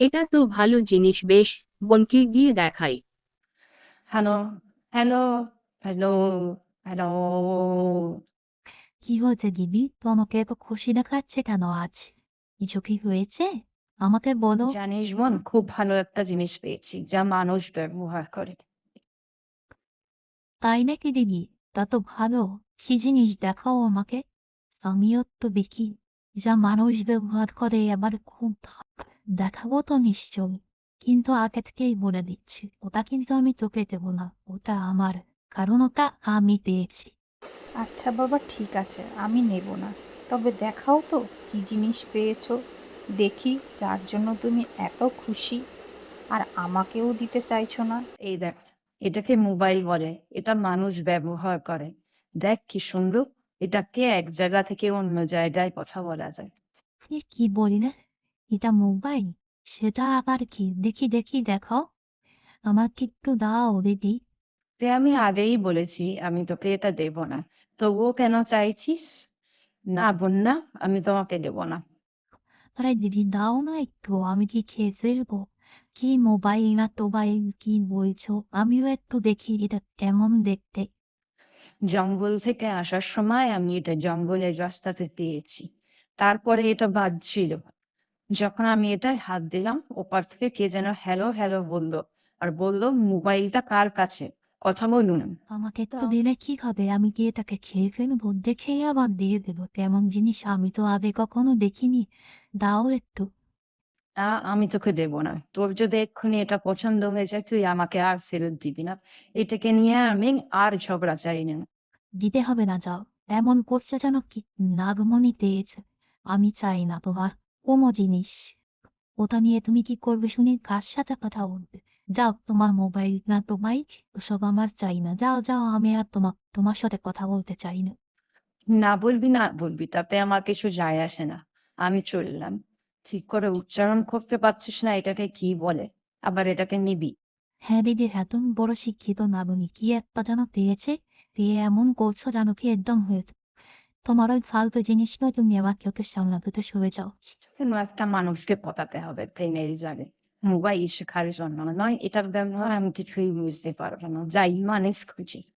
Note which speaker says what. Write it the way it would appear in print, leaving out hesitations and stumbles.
Speaker 1: এটা তো ভালো জিনিস, বেশ। বোনকে গিয়ে দেখাই।
Speaker 2: Hello, hello, hello, hello.
Speaker 3: কি হয়েছে দিদি? তোমাকে এত খুশি দেখাচ্ছে কেন আজ? কিছু কি হয়েছে? আমাকে বলো।
Speaker 2: জানিস বোন, খুব ভালো একটা জিনিস পেয়েছি যা মানুষ ব্যবহার করে।
Speaker 3: তাই নাকি দিদি? তা তো ভালো। কি জিনিস দেখাও আমাকে। আমিও তো দেখি যা মানুষ ব্যবহার করে আবার খুব দেখাবো তো নিশ্চয়ই। কিন্তু আগে থেকেই বলে দিচ্ছি, ওটা কিন্তু আমি তোকে দেবো না, ওটা আমার। কারণ ওটা আমি পেয়েছি।
Speaker 4: আচ্ছা বাবা, ঠিক আছে, আমি নেব না। তবে দেখাও তো কি জিনিস পেয়েছো, দেখি, যার জন্য তুমি এত খুশি আর আমাকেও দিতে চাইছো না।
Speaker 2: এই দেখ, এটাকে মোবাইল বলে। এটা মানুষ ব্যবহার করে। দেখ কি সুন্দর। এটাকে এক জায়গা থেকে অন্য জায়গায় কথা বলা যায়।
Speaker 3: এ কি বলি না, এটা মোবাইল? সেটা আবার কি? দেখি দেখি, দেখাও আমাকে একটু দাও দিদি।
Speaker 2: আমি আগেই বলেছি আমি তোকে এটা দেব না। তবুও কেন চাইছিস? না বোন, না, আমি তোমাকে দেব না।
Speaker 3: আরে দিদি দাও না একটু, আমি কি খেয়ে ফেলবো? কি মোবাইল না টোবাইল কি বলছো? আমিও একটু দেখি এটা কেমন দেখতে।
Speaker 2: জঙ্গল থেকে আসার সময় আমি এটা জঙ্গলের রাস্তাতে পেয়েছি। তারপরে এটা বাজছিল। যখন আমি এটায় হাত দিলাম, ওপার থেকে কে যেন হ্যালো হ্যালো বললো। আর বললো, মোবাইলটা কার কাছে, কথা বলুন।
Speaker 3: আমাকে একটু
Speaker 4: দাও।
Speaker 3: দিলে কি হবে? আমি কি এটাকে খেয়ে ফেলবো? দেখেই আবার দিয়ে দেবো? তেমন জিনিস আমি তো আগে কখনো দেখিনি। দাও একটু।
Speaker 2: তা আমি তোকে দেব না। তোর যদি এক্ষুনি এটা পছন্দ হয়ে যায়, তুই আমাকে আর ফেরত দিবি না। এটাকে নিয়ে আমি আর ঝগড়া চাই না।
Speaker 3: দিতে হবে না, যাও। এমন করছে যেন কি নাগমণি তেজ। আমি চাই না তোমার কোনো জিনিস। ওটা নিয়ে তুমি কি করবে শুনি? কার সাথে কথা বলবে? যাও, তোমার মোবাইল না তোমায়, ওসব আমার চাই না। যাও যাও, আমি আর তোমার সাথে কথা বলতে চাই না।
Speaker 2: না বলবি, না বলবি, তাতে আমার কিছু যায় আসে না। আমি চললাম। ঠিক করে উচ্চারণ করতে পারছিস না এটাকে কি বলে, আবার এটাকে নিবি?
Speaker 3: হ্যাঁ দিদি, হ্যাঁ, তুমি বড় শিক্ষিত না, বলি কি একটা যেন পেয়েছে, পেয়ে এমন করছো যেন কি একদম হয়েছে। তোমার ওই ফালতু জিনিস নয়, তুমি আমার চোখের সামনে থেকে সরে যাও।
Speaker 2: কেন একটা মানুষকে পটাতে হবে প্রেমের জালে? মোবাইল শেখার জন্য নয়, এটার ব্যবহার আমি কিছুই বুঝতে পারবো না। যাই মানুষ খুঁজি।